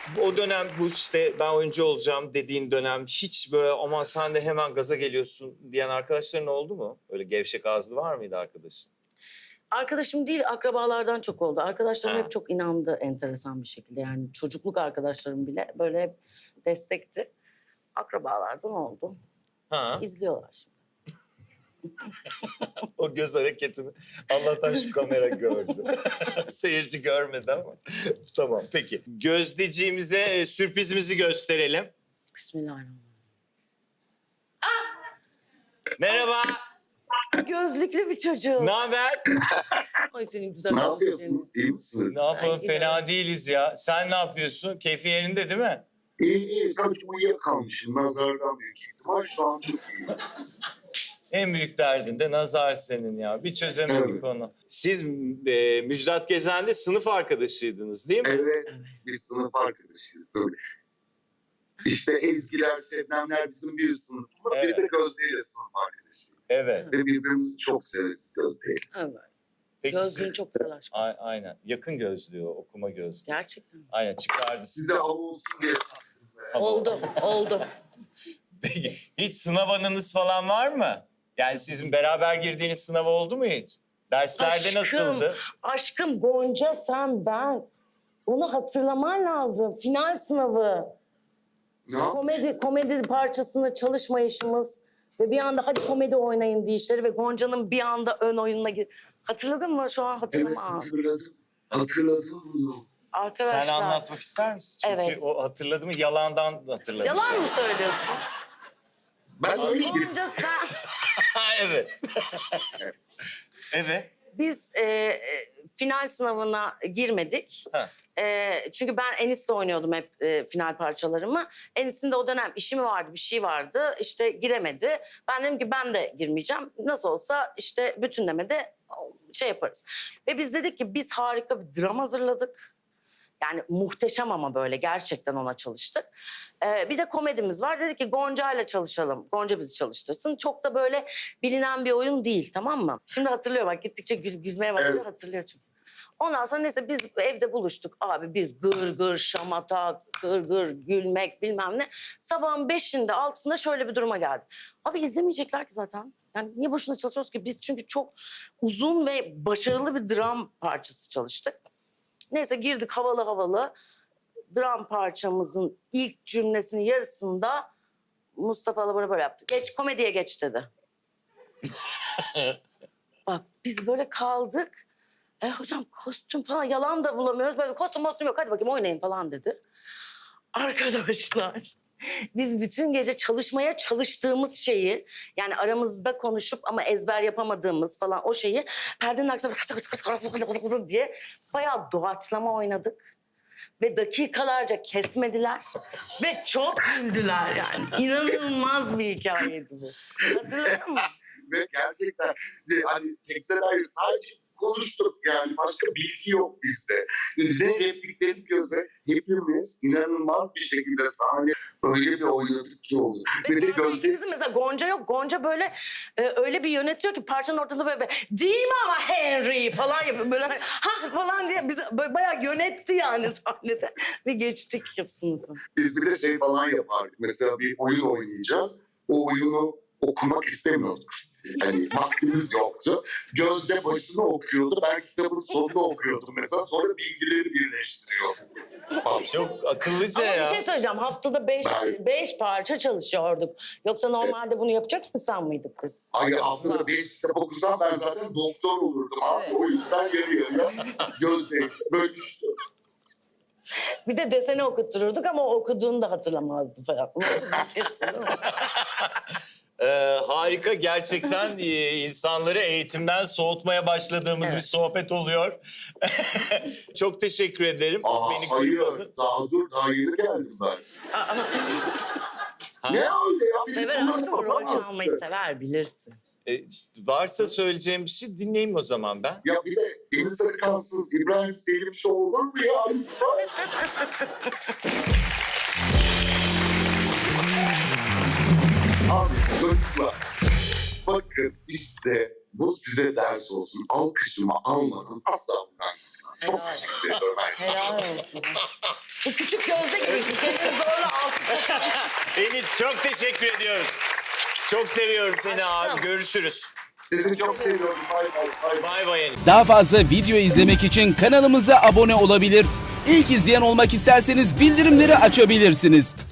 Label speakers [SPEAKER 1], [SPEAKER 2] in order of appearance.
[SPEAKER 1] O dönem bu işte ben oyuncu olacağım dediğin dönem hiç böyle aman sen de hemen gaza geliyorsun diyen arkadaşların oldu mu? Öyle gevşek ağızlı var mıydı arkadaşın?
[SPEAKER 2] Arkadaşım değil, akrabalardan çok oldu. Arkadaşlarım
[SPEAKER 1] Ha.
[SPEAKER 2] hep çok inandı enteresan bir şekilde. Yani çocukluk arkadaşlarım bile böyle hep destekti. Akrabalardan oldu.
[SPEAKER 1] Ha.
[SPEAKER 2] İzliyorlar şimdi.
[SPEAKER 1] O göz hareketini Allah'tan şu kamera gördü. Seyirci görmedi ama. Tamam peki. Gözdeciğimize sürprizimizi gösterelim.
[SPEAKER 2] Bismillahirrahmanirrahim.
[SPEAKER 1] Merhaba.
[SPEAKER 2] Gözlüklü bir çocuğum.
[SPEAKER 1] Ne haber?
[SPEAKER 2] Ay senin güzel
[SPEAKER 3] Ne
[SPEAKER 2] gözlerin.
[SPEAKER 3] yapıyorsunuz? İyi misiniz?
[SPEAKER 1] Ne yapalım?
[SPEAKER 2] Ay,
[SPEAKER 1] Fena
[SPEAKER 2] biraz.
[SPEAKER 1] değiliz ya. Sen ne yapıyorsun? Keyfin yerinde değil mi?
[SPEAKER 3] İyi. Sadece uyuyakalmışım. Nazardan büyük ihtimal. Şu an çok iyi.
[SPEAKER 1] En büyük derdin de nazar senin ya. Bir çözemedik
[SPEAKER 3] Evet.
[SPEAKER 1] onu. Siz Müjdat Gezen'de sınıf arkadaşıydınız değil mi?
[SPEAKER 3] Evet. Biz sınıf arkadaşıyız tabii. İşte Ezgiler, Şebnemler bizim bir sınıfımız.
[SPEAKER 1] Evet.
[SPEAKER 3] Biz de Gözde'yle sınıf arkadaşıyız.
[SPEAKER 1] Evet.
[SPEAKER 3] Ve birbirimizi çok severiz Gözde'yle.
[SPEAKER 2] Evet.
[SPEAKER 1] Peki
[SPEAKER 2] Gözlüğün çok güzel aşkım.
[SPEAKER 1] Aynen. Yakın gözlüğü o, okuma gözlüğü.
[SPEAKER 2] Gerçekten.
[SPEAKER 1] Aynen çıkardı.
[SPEAKER 3] Size av olsun diye taktım.
[SPEAKER 1] Hava.
[SPEAKER 2] Oldu.
[SPEAKER 1] Peki hiç sınav anınız falan var mı? Yani sizin beraber girdiğiniz sınav oldu mu hiç? Derslerde nasıldı?
[SPEAKER 2] Aşkım Gonca sen ben. Onu hatırlaman lazım. Final sınavı.
[SPEAKER 3] Ne yapayım?
[SPEAKER 2] Komedi parçasında çalışmayışımız ve bir anda hadi komedi oynayın deyişleri ve Gonca'nın bir anda ön oyununa gir. Hatırladın mı? Şu an
[SPEAKER 3] Evet
[SPEAKER 2] hatırlamam.
[SPEAKER 3] hatırladım. Hatırladım bunu.
[SPEAKER 2] Arkadaşlar.
[SPEAKER 1] Sen anlatmak ister misin? Çünkü
[SPEAKER 2] Evet.
[SPEAKER 1] o hatırladı mı yalandan hatırladı.
[SPEAKER 2] Yalan mı söylüyorsun?
[SPEAKER 3] Ben öyle girdim.
[SPEAKER 2] Gonca sen...
[SPEAKER 1] Evet. Evet.
[SPEAKER 2] Biz final sınavına girmedik.
[SPEAKER 1] Ha.
[SPEAKER 2] Çünkü ben Enis'le oynuyordum hep final parçalarımı. Enis'in de o dönem işi mi vardı, bir şey vardı. İşte giremedi. Ben dedim ki ben de girmeyeceğim. Nasıl olsa işte bütünlemede şey yaparız. Ve biz dedik ki biz harika bir dram hazırladık. Yani muhteşem ama böyle gerçekten ona çalıştık. Bir de komedimiz var. Dedik ki Gonca ile çalışalım. Gonca bizi çalıştırsın. Çok da böyle bilinen bir oyun değil, tamam mı? Şimdi hatırlıyor bak, gittikçe gülmeye başlıyor,
[SPEAKER 3] Evet.
[SPEAKER 2] hatırlıyor çünkü. Ondan sonra neyse biz evde buluştuk. Abi biz gır gır şamata, gır gır gülmek bilmem ne. Sabahın 5'inde 6'sında şöyle bir duruma geldi. Abi izlemeyecekler ki zaten. Yani niye boşuna çalışıyoruz ki? Biz çünkü çok uzun ve başarılı bir dram parçası çalıştık. Neyse girdik havalı. Dram parçamızın ilk cümlesinin yarısında Mustafa Alabor'a böyle yaptı. Geç komediye geç dedi. Bak biz böyle kaldık. Hocam kostüm falan yalan da bulamıyoruz. Böyle kostüm yok hadi bakayım oynayın falan dedi. Arkadaşlar biz bütün gece çalışmaya çalıştığımız şeyi yani aramızda konuşup ama ezber yapamadığımız falan o şeyi perdenin arkasında diye bayağı doğaçlama oynadık. Ve dakikalarca kesmediler ve çok güldüler yani. İnanılmaz bir hikayeydi bu. Hatırladın mı?
[SPEAKER 3] Ve gerçekten hani tekste dair sadece konuştuk yani başka bilgi yok bizde. Ve replikleri gözle hepimiz inanılmaz bir şekilde sahne öyle bir oynadık ki oldu.
[SPEAKER 2] Ve
[SPEAKER 3] Ve de
[SPEAKER 2] gerçekten
[SPEAKER 3] gözde
[SPEAKER 2] ikimizin mesela Gonca yok. Gonca böyle öyle bir yönetiyor ki parçanın ortasında böyle değil mi ama Henry falan yapıyor. Böyle ha falan diye bizi böyle bayağı yönetti yani sahnede. Ve geçtik hepsinizi.
[SPEAKER 3] biz bir de şey falan yapardık. Mesela bir oyun oynayacağız. O oyunu okumak istemiyorduk. Yani vaktimiz yoktu. Gözde başını okuyordu. Ben kitabın sonunu okuyordum mesela. Sonra bilgileri birleştiriyordum. Falan.
[SPEAKER 1] Çok akıllıca
[SPEAKER 2] Ama
[SPEAKER 1] ya.
[SPEAKER 2] bir şey söyleyeceğim. Haftada beş parça çalışıyorduk. Yoksa normalde bunu yapacak insan mıydık biz?
[SPEAKER 3] Ay haftada 5 kitap okusam ben zaten doktor olurdum. Abi.
[SPEAKER 2] Evet.
[SPEAKER 3] O yüzden geliyor ya. Gözde bölüştü.
[SPEAKER 2] Bir de deseni okuttururduk ama o okuduğunu da hatırlamazdı falan. Kesin değil mi?
[SPEAKER 1] Harika gerçekten insanları eğitimden soğutmaya başladığımız
[SPEAKER 2] Evet.
[SPEAKER 1] bir sohbet oluyor. Çok teşekkür ederim. Beni
[SPEAKER 3] Hayır.
[SPEAKER 1] kırmadın.
[SPEAKER 3] Daha yeni geldim ben.
[SPEAKER 2] Ama
[SPEAKER 3] Ne öyle ya? Beni
[SPEAKER 2] sever
[SPEAKER 3] kullanıp
[SPEAKER 2] aşkım, rol
[SPEAKER 3] atamazsın.
[SPEAKER 2] çalmayı sever bilirsin.
[SPEAKER 1] Varsa söyleyeceğim bir şey dinleyeyim o zaman ben.
[SPEAKER 3] Ya bir de Deniz Arıkansız İbrahim Selim Show olur mu ya? Lütfen. Abi çocuklar bakın işte bu size ders olsun. Alkışımı almadın asla bundan gitmem. Çok
[SPEAKER 2] Helal.
[SPEAKER 3] teşekkür ederim.
[SPEAKER 2] Helal olsun. Bu küçük Gözde gibi. Kendini zorla alkışlatıyor.
[SPEAKER 1] Enis çok teşekkür ediyoruz. Çok seviyorum seni
[SPEAKER 2] Aşkım.
[SPEAKER 1] abi. Görüşürüz.
[SPEAKER 3] Sizi çok seviyorum. Bay bay.
[SPEAKER 1] Bay bay Enis.
[SPEAKER 4] Daha fazla video izlemek için kanalımıza abone olabilir. İlk izleyen olmak isterseniz bildirimleri açabilirsiniz.